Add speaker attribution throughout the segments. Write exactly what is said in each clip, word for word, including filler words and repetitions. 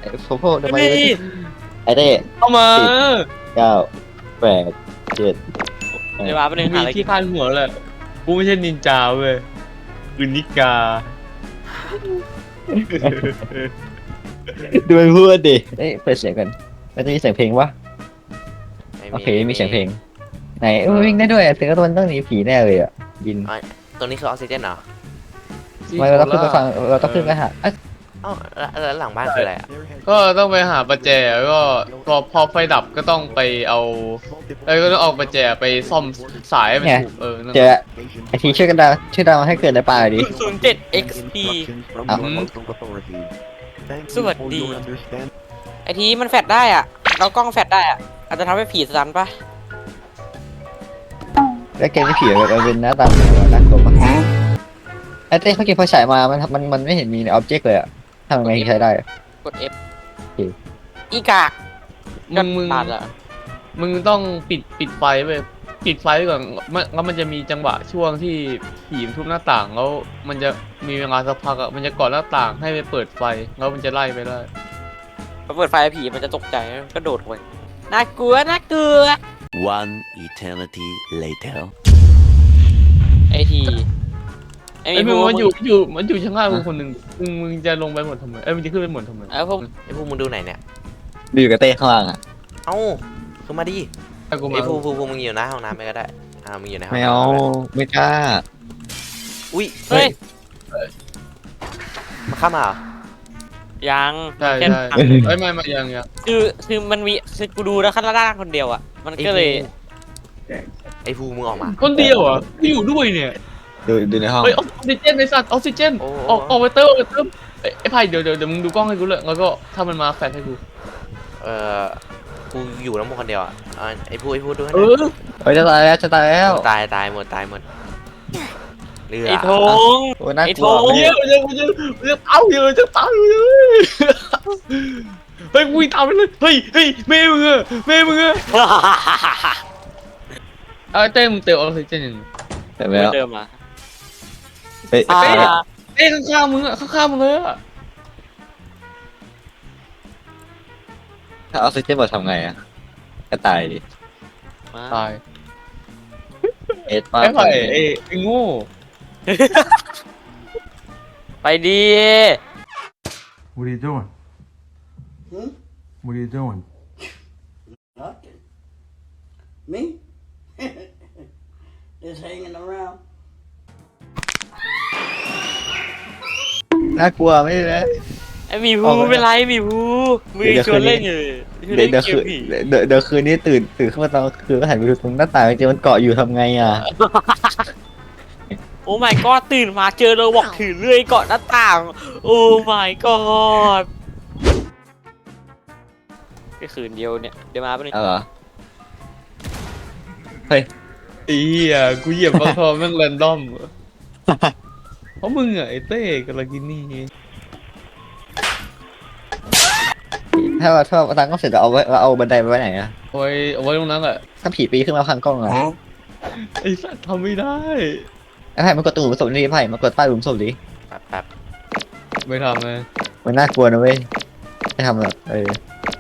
Speaker 1: โฟโฟทำไมไอเต้
Speaker 2: เข้ามา
Speaker 1: เก้าแปดเจ็ด
Speaker 3: เดี๋ยวมาเป็นหนึ่งหาอะไร
Speaker 2: ที่คาดหัวแหละกูไม่ใช่นินจาเว้ยคือนิกา
Speaker 1: ดูมันพูดดิเอ้ยเปิดเสียงกันแล้วจะมีเสียงเพลงปะโอเคมีเสียงเพลงไหนเออวิ่งได้ด้วยเสียงก็มันต้องหนีผีแน่เลยอ่ะบิน
Speaker 4: ตรงนี้คือออกซิเจนเหรอ
Speaker 1: ทำไมเราต้องขึ้นไปฟังเราต้องขึ้นไปหา
Speaker 4: เอ้าแล้วหลังบ้านคืออะไรอ่ะ
Speaker 2: ก็ต้องไปหาประแจก็พอพอไฟดับก็ต้องไปเอาเอ้ยก็ต้องเอาประแจไปซ่อมสายให้มันถูกเออนั่น
Speaker 1: เจอไอทีช่วยกันดาวช่วยดาวให้เกิดในป่าดิ
Speaker 3: ศูนย์เจ็ด เอ็กซ์ พี สวัสดี ไอทีมันแฟดได้อ่ะเรากล้องแฟดได้อ่ะอาจจะทำให้ผีสันปะ
Speaker 1: แล้วเกมที่ผีมันเป็นหน้าตาแบบว่าน่ากลัวปะไอเต้เขาเก็บไฟฉายมามันมันมันไม่เห็นมีในอ็อบเจกต์เลยอ่ะทำยังไงใช้ได้
Speaker 3: กด F
Speaker 1: โอเค
Speaker 3: อีกาก
Speaker 2: มึงมึง
Speaker 3: ตัดอ่ะ
Speaker 2: มึงต้องปิดปิดไฟไปปิดไฟไว้ก่อนมันแล้วมันจะมีจังหวะช่วงที่ผีมันทุบหน้าต่างแล้วมันจะมีเวลาสักพักอ่ะมันจะกอดหน้าต่างให้ไปเปิดไฟแล้วมันจะไล่ไปได้
Speaker 3: พอเปิดไฟผีมันจะตกใจก็โดดลงไปน่ากลัวน่ากลัว
Speaker 5: One eternity later.
Speaker 3: ไอทีไอ
Speaker 2: ไอ้
Speaker 3: มี
Speaker 2: มึง
Speaker 3: พวก
Speaker 2: มันอยู่อยู่มันอยู่ชั้นล่างมึงคนหนึ่งมึงมึงจะลงไปหมดทำไมเอ้ยมึงจะขึ้นไปหมดทำไม
Speaker 3: ไอพวก
Speaker 4: ไอ้พวกมึงดูไหนเนี่ย
Speaker 1: ดูอยู่กับเต้ข้างล่างอ่ะ
Speaker 4: เอ้าคือมาดิ
Speaker 2: ไอ้กูมา
Speaker 4: ไอ้ภูภูภูมึงอยู่หน้าห้องน้ำไปก็ได้อ่ามึงอยู่ในห้อง
Speaker 1: ไม่
Speaker 4: น้ำ
Speaker 1: เอาไม่กล้า
Speaker 4: อุ้ย
Speaker 3: เฮ้ย
Speaker 4: มาเข้ามาเหรอ
Speaker 3: ยัง
Speaker 2: ใช่
Speaker 3: แค่
Speaker 2: ใช่ไอ้ยไม่ไม่ยังยัง
Speaker 3: คือคือมันมีคือกูดูแล้วขั้นล่างคนเดียวอ่ะมันก็เลย
Speaker 4: ไอ้ภูมึงออกมา
Speaker 2: คนเดียวเหรอ่ะกูอยู่ด้วยเนี่ย
Speaker 1: ดูดูในห้อง
Speaker 2: เฮ้ยออกซิเจนในสัตว์ออกซิเจนออกออกไปเติมออกไปเติมไอ้ไอ้ไผ่เดี๋ยวเดี๋ยวเดี๋ยวมึงดูกล้องให้กูเลยแล้วก็ถ้ามันมาแฟลชให้กู
Speaker 4: เอ่อกูอยู่แล้วมึงคนเดียวอ่ะอ่าไอ้ภูไอ้ภูดูให้ห
Speaker 2: เอ
Speaker 4: น่อย
Speaker 2: อ
Speaker 1: เฮ้ยจะตายแล้วจะตายแล้ว
Speaker 4: ตายตายหมดตายหมดเรือ
Speaker 3: ไอ้ธง
Speaker 1: โอ้น่า
Speaker 3: ไอ้
Speaker 1: กลัว
Speaker 3: โถ่
Speaker 1: ไม่
Speaker 2: เย
Speaker 1: ได้
Speaker 2: อะเยอะเยอะเยอะเต้าเยอะจะเต้าเยอะเฮ้ยวิ่งตามไปเลยเฮ้ยเฮ้ยแม่มึงอะแม่มึงอะเอาเต้มึงเติมออกซิเจนยัง
Speaker 1: แต่แล้ว
Speaker 3: เดิมอ่ะ
Speaker 1: เฮ้ย
Speaker 3: อ่า
Speaker 2: เต้ข้างๆมึงอะข้างๆมึงเลยอะ
Speaker 1: ถ้าออกซิเจนหมดทำไงอ่ะก็ตายดิ
Speaker 2: ตาย
Speaker 1: เอ็ดป้า
Speaker 2: ไอ้ไผ่ไอ้ไอ้โง่
Speaker 3: ไปดี
Speaker 6: What are you doing?
Speaker 7: Hmm?
Speaker 6: What are you doing?
Speaker 7: Nothing. Me? Just hanging around.
Speaker 1: น่ากลัวไม่ได้
Speaker 3: ไอ้หมีภูเป็นไรหมีภูมือชวนเล่นอยู่ชวน
Speaker 1: เดี๋ย
Speaker 3: เล่
Speaker 1: วน เดี๋ยว
Speaker 3: เก
Speaker 1: คื
Speaker 3: ม
Speaker 1: น
Speaker 3: ผี
Speaker 1: เดี๋ยวเดี๋ยวคืนนี้ตื่นตื่นขึ้นมาตอนคืนก็หันไปดูตรงหน้าต่างจริงมันเกาะอยู่ทำไงอ่ะ
Speaker 3: โอ้ my god ตื่นมาเจอเราบอกถือเลื่อยเกาะหน้าต่าง โอ้ my god แค่คืนเดียวเนี่ยเดี๋ยวมาเป็น
Speaker 1: เอาเหรอ
Speaker 2: ไอ้เหี้ยกูเหยียบบางทอแม่งแรนดอมเพราะมึงอะไอ้เต้กับลากินี่
Speaker 1: ถ้าว่าถ้าว่าตั้งก็เสร็จเราเอาไว้เราเอาบันไดไปไว้ไหนอ่ะ
Speaker 2: เอาไว้เอาไว้ตรงนั้นแหละ
Speaker 1: ถ้าผีปีนขึ้นมาพังกล้องอ่ะ
Speaker 2: ไอ้สัตว์ทำไม่ได้
Speaker 1: ไอ้ไผ่มันกดตู้หลุมศพนี่ไผ่มันกดใต้หลุมศพดิ
Speaker 4: แป๊บแป๊บ
Speaker 2: ไม่ทำเลย
Speaker 1: มันน่ากลัวนะเว้ยไม่ทำหรอกเออ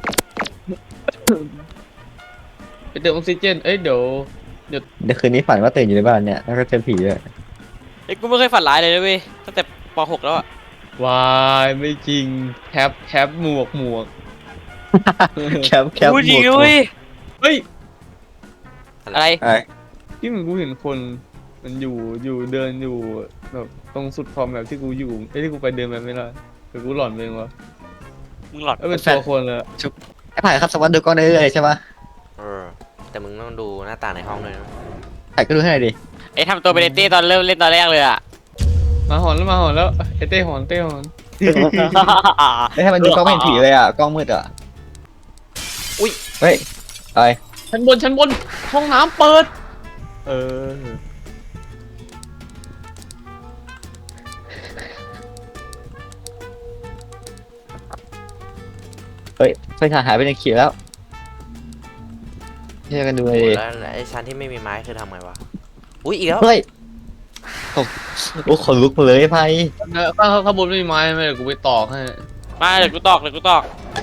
Speaker 2: ไปเติมออกซิเจนเอ้ยเดี๋ยว
Speaker 1: เดี๋ยวคืนนี้ฝันว่าตื่นอยู่ในบ้านเนี่ยแล้วก็เจอผีด้วย
Speaker 3: ไอ้กูไม่เคยฝันร้ายเลยนะเว้ยตั้งแต่ป .หก แล้วอะ
Speaker 2: วายไม่จริงแคปแคปหมวกหมวก
Speaker 1: แคปแคป
Speaker 3: พูดจริง
Speaker 1: หมวก
Speaker 3: เว้ย
Speaker 2: เฮ้ย
Speaker 3: อะไร
Speaker 1: ไอ้
Speaker 2: ที่มึงกูเห็นคนมันอยู่อยู่เดินอยู่แบบตรงสุดขอบแบบที่กูอยู่ไอ้ยที่กูไปเดินไปไม่ได้แต่กูหลอนไปเองวะ
Speaker 3: มึงหลอด
Speaker 2: เอ้ยเป็นตัวคนเลยอะ
Speaker 1: ไอ้ไผ่ครับสวัสดีดูกล้องได้เรื่อยๆใช่ปะ
Speaker 4: เออแต่มึงต้องดูหน้าต่างในห้องด้วยนะ
Speaker 1: ไผ่ก็ดูให้หน่อยดิ
Speaker 3: ไอ้ทำตัวเป็นเต้ตอนเริ่มเล่นตอนแรกเลยอะ
Speaker 2: มาหอนแล้วมาหอนแล้วไอ้เต้หอนเต้หอน
Speaker 1: ไอ้ให้มันดูกล้องไม่เห็นผีเลยอ่ะกล้องมืดอ่ะ
Speaker 4: อุ้ย
Speaker 1: เฮ้ยไอ้
Speaker 2: ชั้นบนชั้นบนห้องน้ำเปิด เออ
Speaker 1: เฮ้ยไฟฉายหายไปในขีดแล้วเชื่อกันดูเลยดิ
Speaker 4: แล้วแล้วไอ้ชั้นที่ไม่มีไม้คือทำไงวะอุ้ยอีกแล้ว
Speaker 1: เฮ้ยโอ้โอ้ขนลุกมาเลยไอ้ไผ่
Speaker 2: ถ้าถ้าข้างบนไม่มีไม้ไม่เดี๋ยวกูไปตอกให้
Speaker 3: มาเดี๋ยวกูตอกเดี๋ยวกูตอก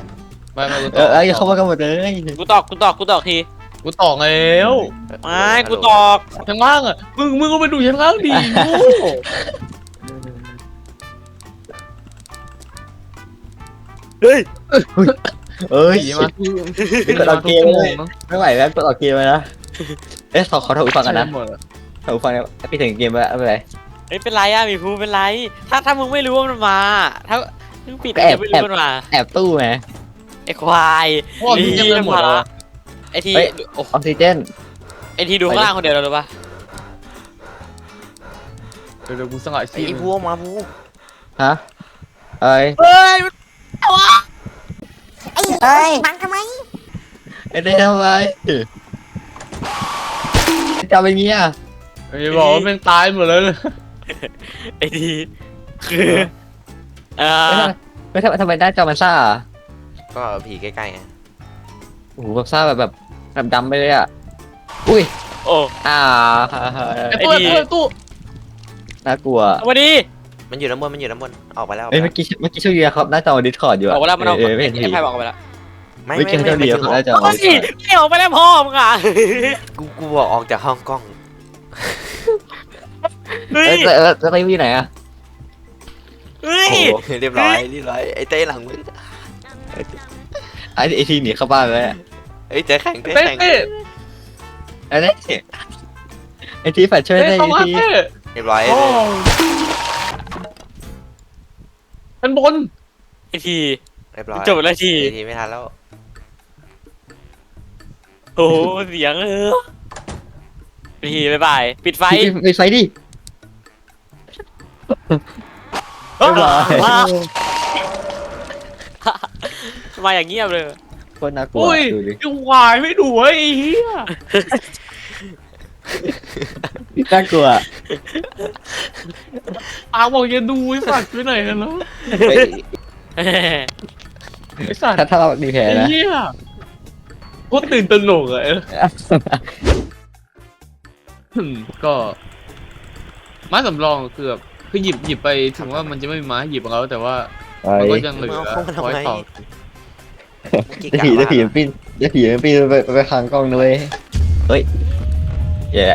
Speaker 2: ไม่ไม่กูต
Speaker 1: เอ
Speaker 2: อ
Speaker 1: อก เอออย่าเข้ามากันหมดเลย
Speaker 3: กูตอกกูตอกกูตอกที
Speaker 2: กูตอกแล้ว
Speaker 3: ไม่กูตอก
Speaker 2: ชั้นล่างอ่ะมึงมึงก็ไปดูชั้นล่างดิโง่
Speaker 1: เอ้ย
Speaker 2: ผีมาที่
Speaker 1: กดออกเกม
Speaker 2: เล
Speaker 1: เลย ยไม่ไหวแล้วกดออกเกมเลยนะเอ๊ะขอขอถอดหูฟังกันนะ
Speaker 2: หมดอะ
Speaker 1: ถอดหูฟังเนี่ยพี่ถึงเกมแล้วไม่เป็นไร
Speaker 3: เฮ้ยเป็นไรอะหมีภูเป็นไร ถ้าถ้ามึงไม่รู้ว่ามันมา ถ้ามึงปิด
Speaker 1: แอบ
Speaker 3: จะไม่รู้มันมา
Speaker 1: แอบตู้ไง
Speaker 3: ไอ้ควาย
Speaker 2: พ่อพี่ยังไม่หมด
Speaker 3: ละ
Speaker 2: แล้ว
Speaker 3: ไอ้ที
Speaker 1: เฮ้ย
Speaker 3: โอ้
Speaker 1: ออกซิเจน
Speaker 3: ไอ้ทีดูข้างล่างคนเดียวเราหรือปะ
Speaker 2: เดี๋ยวเดี๋ยวกูสงัด
Speaker 4: ไอ้
Speaker 2: ชีพ
Speaker 4: พวกมาพู
Speaker 1: ฮะเอ้ย
Speaker 3: เฮ้ยมัน
Speaker 1: เอ้ยบังทำไมไอ้เด้ทำไมจะเป็นงี้อ่ะ
Speaker 2: ไอ้บอกว่าเป็นตายหมดเลย
Speaker 3: ไอ้ทีคือเออ
Speaker 1: ไม่ทำไมทำไมหน้าจอมันซ่าอ่ะ
Speaker 4: ก็ผีใกล้ๆไง
Speaker 1: โอ้โหแบบซ่าแบบแบบแบบดำไปเลยอ่ะอุ้ย
Speaker 3: โอ้
Speaker 1: อ่า
Speaker 2: ไอ้ตู้
Speaker 3: ไอ้ดี
Speaker 2: ไอ้ตู้ไอ้ตู้
Speaker 1: น่ากลัว
Speaker 3: เอามาดิ
Speaker 4: มันอยู่ด้านบนมันอยู่ด้านบนออกไปแล้วออก
Speaker 1: เอ้ย
Speaker 4: ไป
Speaker 1: เมื่อกี้เมื่อกี้ช่วยเยียครับหน้าจอดิสคอร์ดอยู่
Speaker 3: บ
Speaker 1: อ่ะ
Speaker 3: อกว่าแล้วมันออก
Speaker 1: เออไม่เห็น
Speaker 3: ไอ้
Speaker 1: ผี
Speaker 3: ไพ่บอกไปแล้ว
Speaker 4: ไม่
Speaker 1: เมื่อ
Speaker 4: ไม่
Speaker 1: กี้
Speaker 4: ไม่
Speaker 1: ช่วย
Speaker 4: ไม่
Speaker 1: เยีย
Speaker 4: ถึ
Speaker 1: ครับ
Speaker 4: ง
Speaker 1: หน้าจอ
Speaker 3: เฮ้ยไม่ออกไปแล้วพ่อมึงอ่ะ
Speaker 4: กูกูบอกออกจากห้องกล้อง
Speaker 3: เฮ้ย
Speaker 1: เอ้ยแล้วแล้วแล้วไปอยู่ไหนอ่ะ
Speaker 3: เฮ้ย
Speaker 1: โอ้โห
Speaker 4: เรียบร้อยเรียบร้อยไอ้เต้หลังมึง
Speaker 1: ไอ้ไอทีหนีเข้าบ้านแล้ว
Speaker 4: เอ้ยเต้แข่งเต้
Speaker 2: เต้
Speaker 4: แข่ง
Speaker 2: เต้
Speaker 1: ไอ้นี่ไอทีแฟดช่วย
Speaker 2: เต้
Speaker 1: ได้
Speaker 2: เข้า
Speaker 1: ไอ
Speaker 2: มา
Speaker 1: ที
Speaker 2: เต้
Speaker 4: เรียบร้อย
Speaker 2: โอ้เป็นบน
Speaker 3: ไอ้ที
Speaker 4: เรียบร้อย
Speaker 3: จบแล้วที
Speaker 4: ไอ้ทีไม่ทันแล้ว
Speaker 3: โอ้เสียงเออไอ้ทีบ๊ายบายปิดไฟ
Speaker 1: ปิดไฟดิบ๊ายบาย
Speaker 3: มามาอย่างเงียบเลย
Speaker 1: โคตรน่ากลัว
Speaker 2: อุ้ย
Speaker 1: ดูดิ
Speaker 2: ยังวายไม่ดูไอ้เหี้ย
Speaker 1: น่ากลัว
Speaker 2: อาบอกอย่าดูไอ้สัตว์ไปไหนกันแล้ว
Speaker 1: เฮ้ย
Speaker 2: ไอ้สัตว์
Speaker 1: ถ้าถ้าเราดีแผล
Speaker 2: ไอ้
Speaker 1: นะ
Speaker 2: เหี้ยโคตรตื่นตระหนกอะอืมก็ไม้สำรองคือแบบคือหยิบหยิบไปถึงว่ามันจะไม่มีไม้หยิบของเราแต่ว่า
Speaker 1: ไอ้
Speaker 2: มันก็ยังเหลือไว้ต่อ
Speaker 1: จะผีจะผีมันปิ้นจะผีมันปิ้นไปไปทางกล้องด้วยเฮ้ยแย่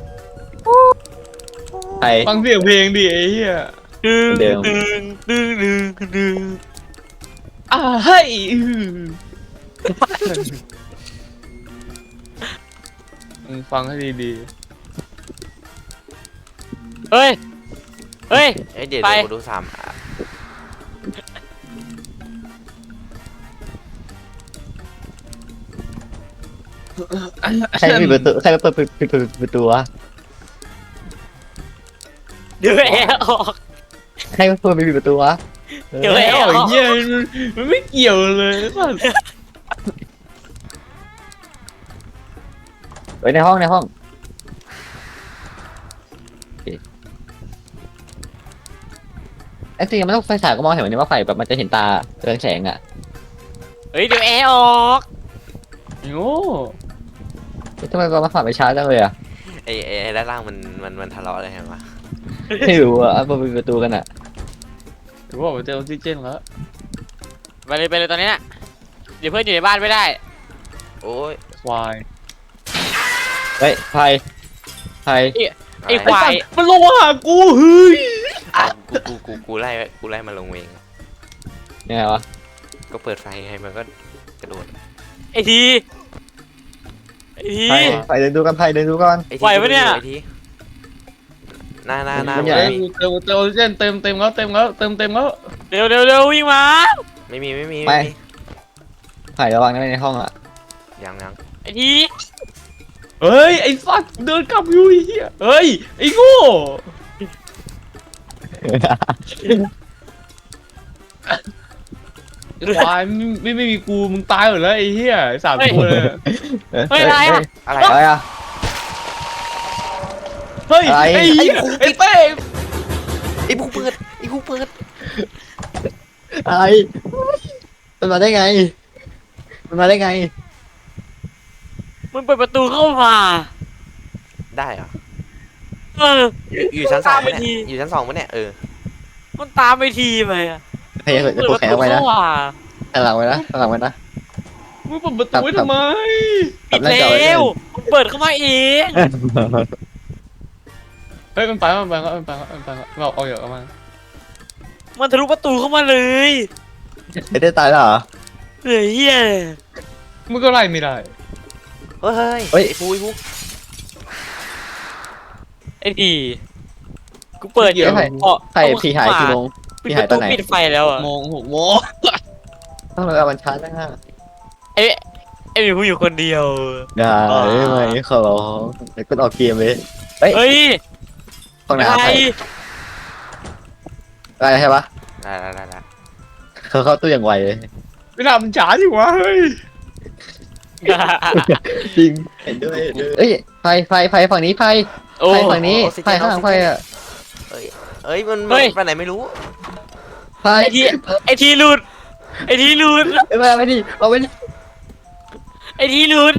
Speaker 1: ใคร
Speaker 2: ฟังเสียงเพลงดิไอ้เหี้ย
Speaker 3: ดึง
Speaker 1: เดิม
Speaker 3: ดึงดึงดึงดึง
Speaker 2: อ่าเฮ้ยอือมึงฟังให้ดี
Speaker 3: เฮ้ยเฮ้ย
Speaker 4: เอ้ยเดี๋ยว
Speaker 3: ไป
Speaker 4: เดี๋ยวกูดูสามอ่ะ
Speaker 2: ๆ
Speaker 1: ใครปิดประตูใครเปิดปิดปิดประตูวะ
Speaker 3: เดี๋ยวแอร์ออก
Speaker 1: ใครเปิดปิดประตูวะ
Speaker 3: เดี๋ยว
Speaker 2: ไอ้
Speaker 3: แอร์ออก
Speaker 2: เหี้ยมันมันไม่เกี่ยวเลยสัส
Speaker 1: ไว้ในห้องในห้องไอ้จริงมันต้องไฟฉายก็มองเห็นวันนี้ว่าไฟแบบมันจะเห็นตาเรืองแสงอ่ะ
Speaker 3: เฮ้ยเดี๋ยวแอร์ออก
Speaker 2: โง่
Speaker 1: ทำไมเรามาฝ่าไปช้าจังเลยอ่ะ
Speaker 4: ไอ้ไอ้ไอ้ด้านล่างมันมันมันทะเลาะอะไรกันวะ
Speaker 1: ไม่รู้อ่ะเปิดปิดประตูกันอ่ะ
Speaker 2: ถือว่าผมเจอออกซิเจนแล้ว
Speaker 3: ไปเลยไปเลยตอนนี้น่ะเดี๋ยวเพื่อนอยู่ในบ้านไม่ได้
Speaker 4: โอ้ย
Speaker 2: ควาย
Speaker 1: เฮ้ยไฟไฟ
Speaker 3: ไอ้ควาย
Speaker 2: มันลงมาหากูเฮ้ย
Speaker 4: อ่ะกูกูกูกูไล่กูไล่มาลงเอง
Speaker 1: ยังไงวะ
Speaker 4: ก็เปิดไฟให้มันก็กระโดด
Speaker 3: ไอ้ทีไอ้ที
Speaker 1: ไฟไฟเดินดูกันไฟเดินดูก่อน
Speaker 4: ไอ้
Speaker 3: ไหวปะเนี่ย
Speaker 4: ไอ้ทีหน้าหน้าหน้า
Speaker 1: มัน
Speaker 4: มึ
Speaker 1: ใหญ่
Speaker 4: ง
Speaker 2: เฮ้ย
Speaker 4: ไม่มี
Speaker 2: เติมเติมออกซิเจนเต็มเต็มแล้วเต็มแล้วเต็มเต็มแล้ว
Speaker 3: เร็วเร็วเร็ววิ่งมา
Speaker 4: ไม่มีไม่มี
Speaker 1: ไม่
Speaker 4: ไม่มี
Speaker 1: ไฟระวังนะในห้องอ่ะ
Speaker 4: ยังยัง
Speaker 3: ไอ้ที
Speaker 2: เฮ้ยไอ้สัตว์เดินกลับอยู่ไอ้เหี้ยเฮ้ยไอ้โง่ ควายไม่ไม่ไม่มีกูมึงตายหมดแล้วไอ้เหี้ยสามตัวเลย
Speaker 3: เฮ้ยอะไรอ่ะ
Speaker 4: อะไร
Speaker 1: อะไรอ่ะ
Speaker 2: เฮ้ย
Speaker 1: อะไร
Speaker 2: ไอ้เหี้ยไอ้เต้
Speaker 4: ไอ้ผู้เปิดไอ้ผู้เปิด
Speaker 1: อะไรมันมาได้ไงมันมาได้ไง
Speaker 3: มันเปิดประตูเข้ามา
Speaker 4: ได้เหรอ
Speaker 3: เออ
Speaker 4: อยู่อยู่ชั้นสอง
Speaker 3: ตามไป
Speaker 4: ปะ
Speaker 3: ที
Speaker 4: เนี่ยอยู่ชั้นสองปะเนี่ยเออ
Speaker 3: มันตามไปทีไปอ่ะ
Speaker 1: พยายามจะปลุกแขนเอาไว้นะ
Speaker 3: เข้ามา
Speaker 1: ข้างหลังไว้นะข้างหลังไว้นะ
Speaker 2: มึงเปิดประตูไว้ทำไม
Speaker 3: ปิดแล้วมันเปิดเข้ามาเอง
Speaker 2: เฮ้ยมันไปแล้วมันไปแล้วมันไปแล้วมันไปแล้วเราเอาอย่างมา
Speaker 3: มันทะลุประตูเข้ามาเลย
Speaker 1: ไม่ได้ตายแล้วเหรอ
Speaker 3: เฮ้ยเฮีย
Speaker 2: มึงก็ไล่ไม่ได้
Speaker 4: เฮ้ย
Speaker 1: เฮ้ย
Speaker 4: ไอ้ฟูไอ้ฟู
Speaker 3: ไอ้ดีกูเปิดอยู่
Speaker 1: ใคร
Speaker 3: พอ
Speaker 1: ใครผีหายกี่โมง
Speaker 3: ปิด
Speaker 1: ผี
Speaker 3: ป
Speaker 1: หาย
Speaker 3: ระ
Speaker 1: ต
Speaker 3: ตู
Speaker 1: อนไหน
Speaker 3: ปิดไฟแล้วอ่ะ
Speaker 2: โมงหกโมง
Speaker 1: ต้องระวังมันช้าจังฮะ
Speaker 3: ไอ้ไอ้มีผู้อยู่คนเดียว
Speaker 1: อย่าได้ไหมขอร้องเดี๋ยวกดออกเกมเลยเฮ้ย
Speaker 3: เฮ้ย
Speaker 1: ห้อง
Speaker 3: อะ
Speaker 1: น้ำ
Speaker 3: ไร
Speaker 1: ใครอะไรใช่ปะ
Speaker 4: ได้ได้ได้ได้
Speaker 1: เขาเข้าตู้อย่างไวเลย
Speaker 2: เวลามันจ๋าอยู่วะเฮ้ย
Speaker 1: จริงเห็นด้วยเห็นด้วยเอ้ยไฟไฟไฟฝั่งนี้ไฟ
Speaker 3: โอ้
Speaker 1: ไฟฝั่งนี้ไฟข้างหลังไฟอ่ะ
Speaker 4: เอ้ยมัน
Speaker 3: เฮ้ย
Speaker 4: ไปไหนไม่รู้
Speaker 1: ไฟ
Speaker 3: ไอ้ทีไอ้ทีหลุดไอ้ทีหลุด
Speaker 1: เอ้ยมาไม่ดิเอาไม่ดิ
Speaker 3: ไอ้ทีหลุด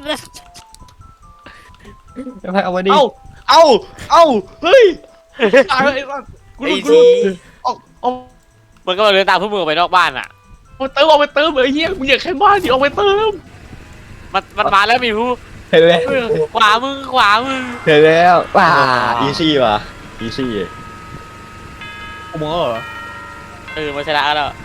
Speaker 1: ไฟเอามาดิ
Speaker 2: เอ้าเอ้าเอ้าเฮ้ยตายแล้วไอ้สัสกู
Speaker 4: ไอ้
Speaker 2: รู้กู
Speaker 4: ที
Speaker 2: รู้เอาเอา
Speaker 3: มันก็มาเดินตามพวกมึงออกไปนอกบ้านอ่ะ
Speaker 2: เอาเติมเอาไปเติมเอ้ยเหี้ยมึงอยากแค่บ้านดิเอาไปเติม
Speaker 3: มันมันมาแล้วมีผู้
Speaker 1: เห็นแล้ว
Speaker 3: ขวามึงขวามึง
Speaker 1: เห็นแล้วว้าอีซี่ว่ะอีซี่
Speaker 2: กูมองเหรอ
Speaker 3: เออมาชนะแล้ว